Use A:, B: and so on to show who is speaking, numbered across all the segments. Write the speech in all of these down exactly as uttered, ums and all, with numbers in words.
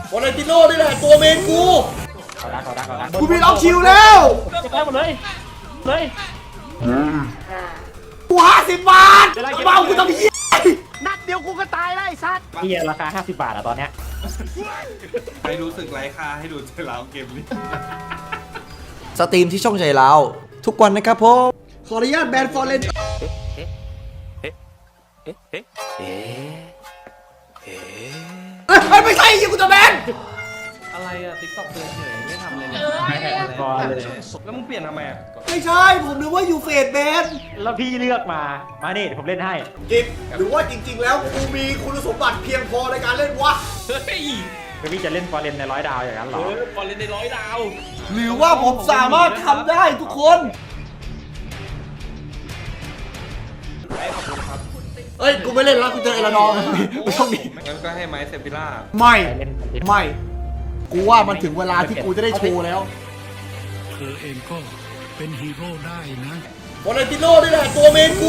A: วาเลนติโน่นี่แหละตัวเมนกู
B: เอาดักเอาดักเอาดัก
A: กูมีล็อกชิวแล้ว
B: จะได้หมดเลยเลย
A: กูห้าสิบบาทเบากูทำเหี้ย
C: นัดเดียวกูก็ตายแล้วไอ้สัตว์
B: พี่ราคาห้าสิบบาทอะตอนเนี้ย
D: ไม่รู้สึกไร้ค่าให้ดูใจร้าวเกมนี้
A: สตรีมที่ช่องใจเราทุกวันนะครับผมขออนุญาตแบนฟอร์เรนเฮ้ยไม่ใช่ยิงกูจะแบน
D: อะไรอะติ๊กต็อกเตือนเฉยไม่ทำอะไรเลย
B: ไม่แหกบอลเลย
D: แล้วมึงเปลี่ยนทำไมอะ
A: ไม่ใช่ผมนึกว่าอยู่เฟสแบน
B: แล้วพี่เลือกมามานี่ผมเล่นให้
A: กิฟหรือว่าจริงๆแล้วกูมีคุณสมบัติเพียงพอในการเล่นวะ
D: เฮ้ย
B: คือพี่จะเล่นฟอร์เรนในร้อยดาวอย่างนั้นเหรอ
D: เออบอลเล่นในร้อยดาว
A: หรือว่าผมสามารถทำได้ทุกคน
D: ไอ้ขอบคุณครับ
A: เอ้ยกูไม่เล่นแล้วกูเจอเอลานอร์ไม่ต้องดี
D: งั้นก็ให้ไม้เซฟิล่า
A: ไม่
B: เล่น
A: ไม่กูว่ามันถึงเวลาที่กูจะได้โชว์แล้ว
E: เธอเองก็เป็นฮีโร่ได้นะ
A: วาเลนติโน่นี่แหละตัวเมนกู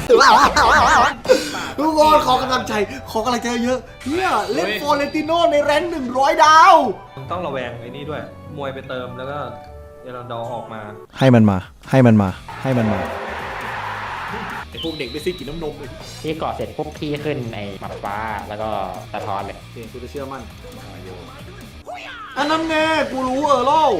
A: ทุกคนขอกำลังใจขอกำลังใจเยอะเนี่ยเล่นวาเลนติโน่ในแรงค์หนึ่งร้อยดาว
D: ต้องระแวงไอ้นี่ด้วยมวยไปเติมแล้วก็เอรันดอร์ออกมา
F: ให้มันมา ให้มันมา ให้มันมา
A: ไอพวกเด็กไม่ซื้อกินน้ำนมเลย
B: พี่เกาะเสร็จปุ๊บพี่ขึ้นไอ้หมัดฟ้าแล้วก็สะท้อนเลย
A: เกูจะเชื่อมั่นอันนั้นแน่กูรู้เออเล่า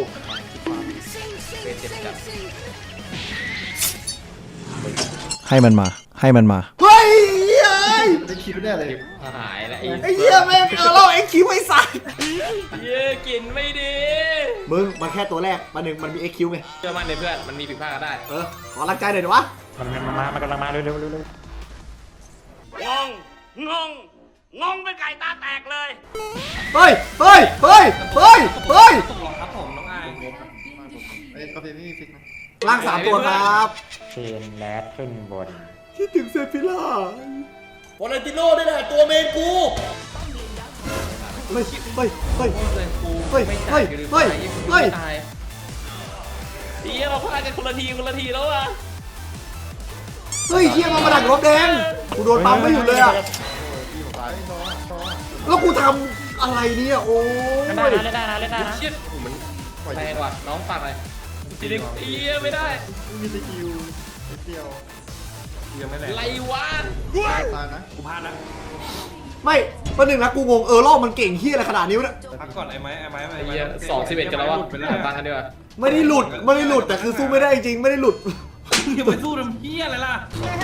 F: ให้มันมา ให้มันมา
A: เฮ้ยเฮ้ย
C: ได้คิดแน่เลย
D: หายแล้ว
A: ไอ้เหี้ยแม่งเออเล่าไอ้คิวไอ้สัส
D: เย้กินไม่ดี
A: มึงมันแค่ตัวแรกมันหนึ่งมันมีเอ็กคิวไง
D: เชื่อมั่นในเพื่อนมันมีผิดพลาดก็ได้
A: เออขอรักใจหน่อยดิวะ
B: มันมันมามันกำลังมาเร็วเร็วเร็วเร็ว
G: งง งง งงเป็นไก่ตาแตกเลย
A: เฮ้ยเฮ้ยเฮ้ยเฮ้ยเฮ้ย
D: ตกหลอกครับผมน้องอาย
C: เอ้ยกาแฟไม่มีฟิกนะ
A: ล่างสามตัวครับ
B: เชนแรดขึ้นบน
A: คิดถึงเซฟิล่าวาเลนติโน่นี่แหละตัวเมนกูเฮ้ยเฮ้ยเฮ้ย
D: เลยกู
A: เฮ้ย
D: ไม่
A: เฮ้
D: จ่าย
A: ย
D: กูลืม
A: เฮ้ย
D: จ่ายกู
A: เฮ้ย
D: ตายเฮียเราพลาดกันคนละทีคนละทีแล้วอะ
A: เฮ้ยเฮียมามาดักรถแดงกูโดนปั๊มไม่หยุดเลยอะแล้วกูทำอะไรเนี่ยโอ้ย
B: เล่นได้นะเล่นได้นะเล่นได้นะ
D: เชี่ยโอ้มันแรงว่ะน้องฝากอะไรจริงเฮียไม่ได้
C: มีสกิลนิดเดียว
D: ยังไม่แรงไรวะ
C: ตายนะ
D: กูพลาดนะ
A: ไม่ประหนึ่งนะกูงงเออรอบมันเก่งเฮียอะไรขนาดนี้วะเนี่ย
D: พักก่อนไอ้ไม้ไอ้ไม้ไอ้ไม้
H: สองสิบเอ็ดกันแล้ววะ
D: ไปแล้ว
H: ตามกันดีกว่า
A: ไม่ได้หลุดไม่ได้หลุดแต่คือสู้ไม่ได้จริงไม่ได้หลุด
D: อย่าไปสู้ทำเฮียอะไรล่ะ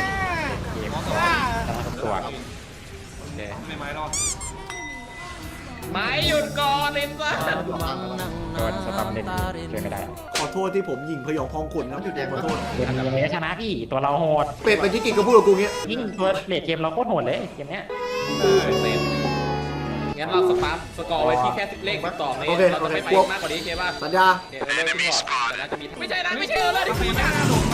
B: แต่ว่าตัว
D: ไม่ไม้รอด
H: ไม้หยุดก่อนลินซ่า
B: โดนสตัมเล่นช่วยไม่ได้
A: ขอโทษที่ผมยิงพยองพองขุนครับขอโทษ
B: เกมยังไงก็ชนะพี่ตัวเราโหด
A: เป็ดไปที่กินก็พูดกับกูเงี้ย
B: ยิ่งตัวเลดเกมเราโคตรโหดเลยเกมเนี้ย
H: งั้นเราสปาร์สกอร์ไว้ที่แค่เลขสิบสองนี่เราจะไม่ไปมากกว่านี้เคป่ะ
A: สัญญา
H: เนี่ยเร็วขึ้นก่อนแต่น่าจะมีไม่ใช่นะไม่ใช่เออเลยที่คุยนะ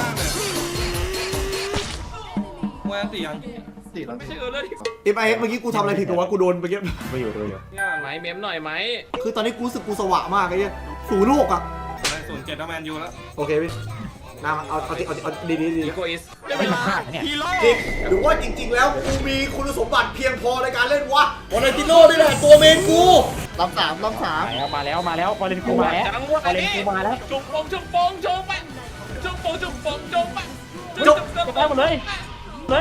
D: มวยอันตียัง
C: สี่แล้ว
H: ไม่ใช่เออเลยที่
A: เอ็มไอเอ็กเมื่อกี้กูทำอะไรผิดกับวะกูโดนเมื่อกี้
B: ดูอยู่ดูอยู่
H: ไม้เมมหน่อยไหม
A: คือตอนนี้กูรู้สึกกูสวะมากไอ้เหี้ยสูโลกอะ
D: ศูนย์เจ็ดแล้วแมนยูแล้ว
A: โอเคพี่นามาเอาเอาเอาเอาดีดีดี
H: อีโกอิส
B: ไม่มาพลาดเนี่ย
A: จริงหรือว่าจริง ๆ แล้วกูมีคุณสมบัติเพียงพอในการเล่นวะวาเลนติโน่นี่แหละตัวเมนกู
C: ลำสามลำสาม
B: มาแล้วมาแล้วมาแล้วบอลเลนกูมาแล้ว
H: จังหวะ
B: บอลเลน
H: นี้
B: กูมาแล้ว
H: จุกปงจุกปงจุกไปจุกปงจุกปงจุกไป
A: จบ
B: จะได้หมดเลยเลย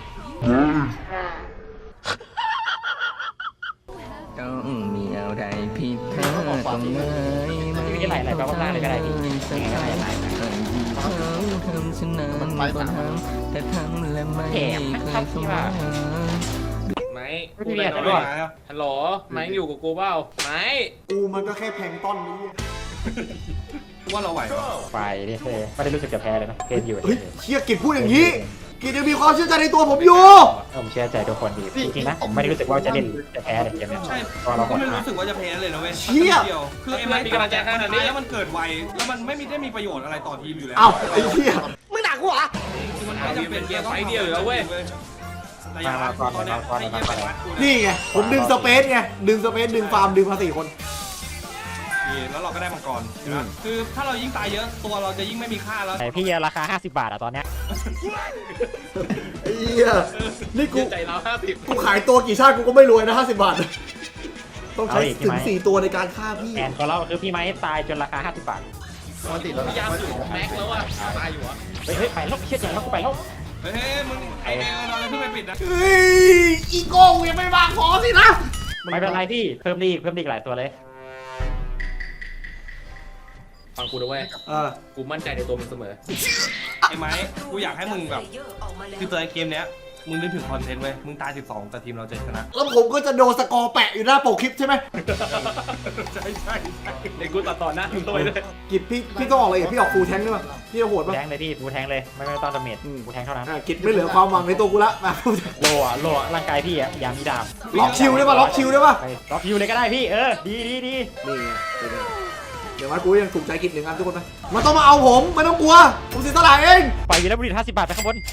I: ต้องมีอะไรผิดพลาดตรงไหนไม่
B: มีไหลไหลไปข้างล่างเลยก็ได้พี่ยังไงก็ไหลไหล
I: เขาทำฉันนั้นก็ทำแต่ทำและไม่เคยสมหวัง
H: ไม้
B: ไม่มีอะไร
D: ไม่
B: ด้วย
D: มาแล้ว
H: ฮัลโหลไม้อยู่กับกูเปล่าไม้
A: กูมันก็แค่แพลงก์ต้นนี้
D: ว่าเราไหว
B: ไฟนี่เท่ไม่ได้รู้สึกจะแพ้เลยนะเกมอยู่
A: เฮ้ยเชี่ยกิจพูดอย่างนี้กิจยังมีความเชื่อใจในตัวผมอยู่
B: ผมเชื่อใจทุกคนดีจริงๆนะผมไม่ได้รู้สึกว่าจะเล่นจะแพ้เลยเกมนี้
D: ใช่
B: ก็เรา
D: ก็
B: หด
D: ไม่
B: มา
D: รู้สึกว่าจะแพ้เลยนะเว้ย
A: เชี่ย
D: คือไอ้ไม้มีกำลังใจขนาดนี้แล้วมันเกิดไวแล้วมันไม่มีได้มีประโยชน์อะไรต่อทีมอยู่แล้ว
A: เอ้าไอ้เหี้ย
H: มึงด่ากูเหรอ
D: มันไม่จำเป็น
H: เกมไฟเดียวอยู่แล้วเว้ย
D: ระยะตอนนี้ให้เยี่ยมวัดกู
A: นี่ไงผมดึงสเปซไงดึงสเปซดึงฟาร์มดึงมาสี่คน
D: แล้วเราก็ได้มังกรคือถ้าเรายิ่งตายเยอะตัวเราจะยิ่งไม่มีค่าแล้ว
B: แต่พี่ราคาห้าสิบบาทอะตอนเนี้ย
A: ไอ้เหี้ยนี่กู
H: ใจเราห้าสิบ
A: กูขายตัวกี่ชาติกูก็ไม่รวยนะห้าสิบบาทต้องใช้ถึงสี่ตัวในการฆ่าพี่
B: แผนของเราคือพี่ไม้ตายจนราคาห้าสิบบาท
C: มันติดแล้ว
H: พยายามสุดแม็กแล้วอ่ะตายอยู่อ่ะ
B: เฮ้ยเฮ้ยไปแล้วเชี่ยอย่างแล้วกูไปแล้ว
D: เฮ้ยมึงไอเอลเราเพิ่งไปปิดนะ
A: เฮ้ยอีโก้ยังไม่วางพอสินะ
B: ไม่เป็นไรพี่เพิ่มดีอีกเพิ่มดีอีกหลายตัวเลย
H: ฟังกูด้วย
A: เออ
H: กูมั่นใจในตัวมึงเสมอ
D: ไอ้ไม้กูอยากให้มึงแบบคือตัวเกมเนี้ยมึงนึกถึงคอนเทนต์เว้ยมึงตายสิบสองแต่ทีมเราจะชนะ
A: แล้วผมก็จะโดนสกอร์แปะอยู่หน้าปกคลิปใช่ไหม
D: ใช่ใช่ใช่
H: ในกูตัดต่อหน้ามึงตัวเลย
A: กิจพี่พี่ต้องออกอะไรอีกพี่ออกฟูลแทงค์ด้วยป่ะพี่จะโหดป่ะ
B: แทงเลยพี่ฟูแทงเลยไม่ไม่ต้องดาเมจฟูแทงเท่านั้น
A: อ่ะกิจไม่เหลือความหวังในตัวกูละมา
B: โลอะโลอะร่างกายพี่อะยามมีดาบ
A: ล็อกชิลได้ป่ะล็อกชิลได้ป่ะ
B: ไปล็อกยูเลยก็ได้พี่เออดีดีดี
A: นี่ไงเป็นไงเดี๋ยวมากูยังถูกใจกิจหนึ่งอันทุกคนไหมมันต้องมาเอาผมไม่ต้องกลัวผมเสียสละเอง
B: ปล่อยวีรบุรุษห้าสิบบาทไปข้างบน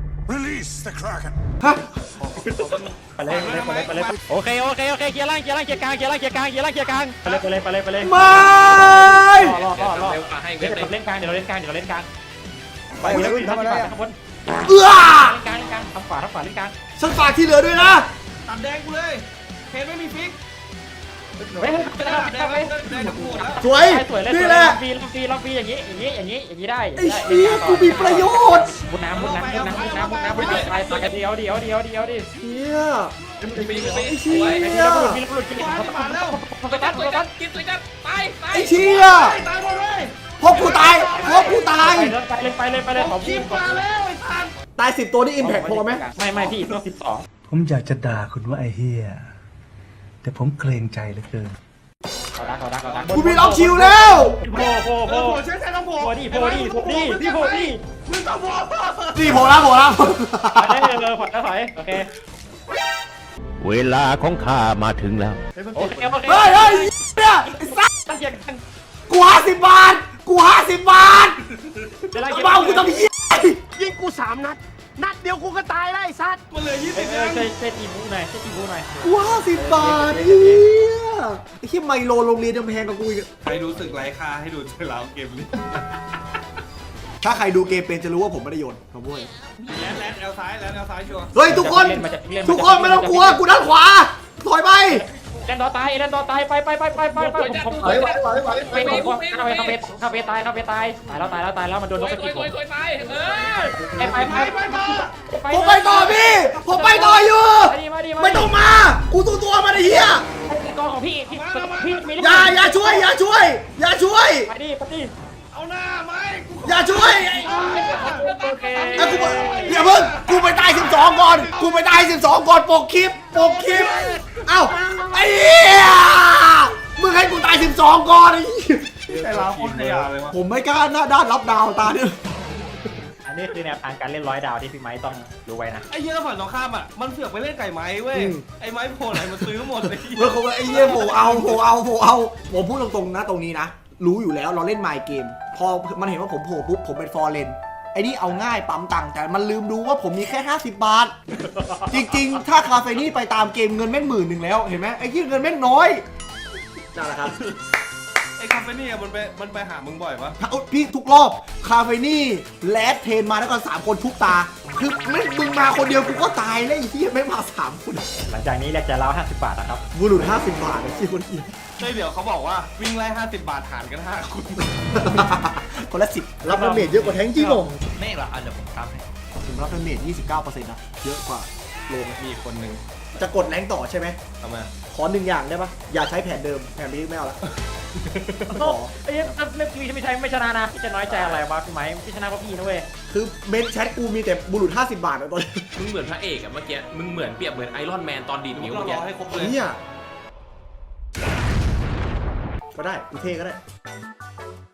A: ฮะ
B: ไปเลยไปเลยไปเลยไปเลยโอเคโอเคโอเคเคลียร์ล่างเคลียร์ล่างเคลียร์กลางเคลียร์ล่างเคลียร์กลางเคลียร์ล่างเคลียร์กลางไปเลยไปเลยไปเลยไปเลย
A: ไม่
B: รอรอรอ
H: เร็วกว่าให้
B: เดี๋
H: เว็
B: ยว
H: บ
B: เรา
H: เลย
B: เล่นกลางเดี๋ยวเราเล่นกลางเดี๋ยวเราเล่นกลาง
A: ไป
B: วี
A: เล
B: ร
A: ย
B: บุรุษห้าสิบบาทไปข้างบน
A: เอื้อ
B: เล่นกลางเล่นกลางทำขวาทำขวาเล่นกลาง
A: ฉันฝากที่เหลือด้วยนะ
D: ตัดแดงกูเลยเพนไม่มีฟิก
B: เฮ้ย
D: จะได้ตัดแดงไหมแดงจะพูดแล้ว
A: สวย
B: สวยเลย
A: นี่แหละ
B: ฟรีฟรีฟรีอย่างนี้อย่างนี้อย่างนี้อย่างนี้ได้
A: ไอ้เชี่ยกูมีประโยชน์
B: มุดน้ำมุดน้ำมุดน้ำมุดน้ำมุดน้ำมุดน้ำไปไปเดียวเดียวเดียวเดียวดิ
A: เชี่ย
H: ปี
A: ไอ้เชี่ย
B: วีรบุรุษวีรบุรุษกิน
D: มาแล้วมาแล้ว
B: ไปกันไปกัน
H: กินเลยกันตายตาย
A: ไอ้เชี่ย
D: ตายหมดเลย
A: พบกูตายพบกูตาย
B: ไปเลยไปเลยไปเลยขอ
D: คลิ
B: พู
D: ป
B: ด
D: มาแล้วไอ้สัน
A: ตายสิบตัวนี่อิมแพคพอไหม
B: ไม่ไม่พี่ต้องสิบสอง
E: ผมอยากจะด่าคุณว่าไอ้เฮียแต่ผมเกรงใจเหลือเกิน
B: เขาดักเขาดักเขาดัก
A: กูมีล็อกชิลแล้ว
B: โผล่โผล่
D: เอ
B: โผล่
D: อโผล่ใช้ใช้ต้องโผล่
B: โผล่ดิโผล่ดิโผล่ดิพี่โผล่ดิ
D: มึงต้องโผล่
A: นี่โผล่แล้วโผล่แล้ว
B: ได้เลยเลยผ่อนแล้วถอยโอเค
F: เวลาของข้ามาถึงแล้ว
B: โอเคโอเค
A: เฮ้ยเฮ้ยเนี่ยไอ้สัส
B: ตั้งเกียร์กัน
A: กูห้าสิบบาทกูห้าสิบบาท
B: เวลา
A: เบากูต้องเยี่ย
G: ยิงกูสามนัด นัดเดียวกูก็ตายแล้วไอ้สัตว์
D: มันเหลือยี่
B: เอ
D: สิบ
B: อ
D: เอง
B: ใช่ใช่ตีบูหน่อยใช่ตีบูหน่อย
A: กูห้าสิบบาทไอ้เหี้ยไอ้เหี้ยไมโลโรงเรียนยังแพงกว่ากูอีก
D: ใครรู้สึกไร้ค่าให้ดูเจอแล้วเกมนี้
A: ถ้าใครดูเกมเป็นจะรู้ว่าผมไม่ได้โยนขโมย
D: แลนแลนแอลซ้ายแลนแอลซ้ายชัวร์
A: เฮ้ยทุกคนทุกคนไม่ต้องกลัวกูด้านขวาถอยไป
B: เล่นต่อตายเล่นต่อตายไปไปไปไปไปไปผมผม
C: ไหวไหวไหวไหว
B: ไปไปเข้าไปเข้าไปเข้าไปตายเข้าไปตายตายแล้วตายแล้วตายแล้วมันโดน
H: ส
B: น
H: ว
B: ก
H: ย
B: กระ
H: สว
B: จิ
H: ย
B: บ
H: สวยสวยตายเออ
B: ไปไปไปไปไป
A: ผมไปต่อพี่ผมไปต่ออยู่
B: มาดิมาดิ
A: ไม่ต้องมากูตัวตัวมาไอ้เหี้ย
B: กองของพี่พี่พี่มี
A: อย่าอย่าช่วยอย่าช่วย อย่าช่วย
B: ไปดิไปดิ
D: เอาหน้าไหมกู
A: อย่าช่วย
B: โอเค
A: ไอ้กูอย่าเพิ่งกูไปตายสิบสองก่อนกูไปตายสิบสองก่อนปกคลิปปกคลิปเอ้าไอ้เหี้ยมึงให้กูตายสิบสองก่อนไอ้เหี้ย
D: ไอ้เราโคตรขยะเลยวะ
A: ผมไม่กล้าหน้าด้านรับดาวตาเนี่ย
B: อันนี้คือแนวทางการเล่นร้อยดาวที่พี่ไม้ต้องรู้ไว้นะ
D: ไอ้เหี้ยแล้วฝั่งตรงข้ามอ่ะมันเสือกไปเล่นไก่ไม้เว้ยไอ้ไม้โผล่ไหนมันซื้อหมดเลย
A: เมื่อเขาว่าไอ้เหี้ยโผเอาโผเอาโผเอาผมพูดตรงๆนะตรงนี้นะรู้อยู่แล้วเราเล่นไมค์เกม พอมันเห็นว่าผมโผล่ปุ๊บผมเป็นฟอร์เรนไอ้นี่เอาง่ายปั๊มตังค์แต่มันลืมดูว่าผมมีแค่ห้าสิบบาท จริงๆ ถ้าคาเฟนี่ไปตามเกมเงินแม่งหมื่นหนึ่งแล้วเห็นไหมไอ้ที่เงินแม่งน้อยนั่นแหละครับ
D: ไอ้คาเฟนี่มันไปมันไปหามึงบ่อยปะ
A: เอาพี่ทุกรอบคาเฟนี่แลดเทนมาแล้วก็สามคนทุกตา คือไม่มึงมาคนเดียวกูก็ตายแล้วไอ้ที่ไม่มาสามคน
B: หลังจากนี้เรียกจะเล้าห้าสิบบาทนะครับ
A: บุรุษห้าสิบบาทไอ้ที่คนเดียว
D: เฮ้ยเดี๋ยวเขาบอกว่าวิ่งไล่ห้าสิบบาทหารกันห้าคุณ
A: คนละสิบรับดาเมจเยอะกว่าแทงจริงเหรอ
H: ไม่หรอกอ่ะเดี๋ยวผมทำให้
A: ผมรับดาเมจยี่สิบเก้าเปอร์เซ็นต์นะเยอะกว่าโลม
D: มีคนหนึ่ง
A: จะกดแรงต่อใช่ไหม
D: ทำไม
A: ขอหนึ่งอย่างได้ปะอย่าใช้แผนเดิมแผนนี้ไม่เอาละขอ
B: ไอ้เรื่องเรื่องพี่ไม่ใช่ไม่ชนะนะพี่จะน้อยใจอะไรวะพี่ไม้พี่ชนะเพราะพี่นะเว้ย
A: คือเมนแชทกูมีแต่บุรุษห้าสิบบาทอะตอนนี้
H: มึงเหมือนพระเอกอะเมื่อกี้มึงเหมือนเปรียบเหมือนไอรอนแมนตอนดีดนิ้ว
D: เรา
H: เมื่อ
D: ร
H: กี้
D: อให้ครบเลย
A: เนี่ยก็ได้กูเท่ก็ได้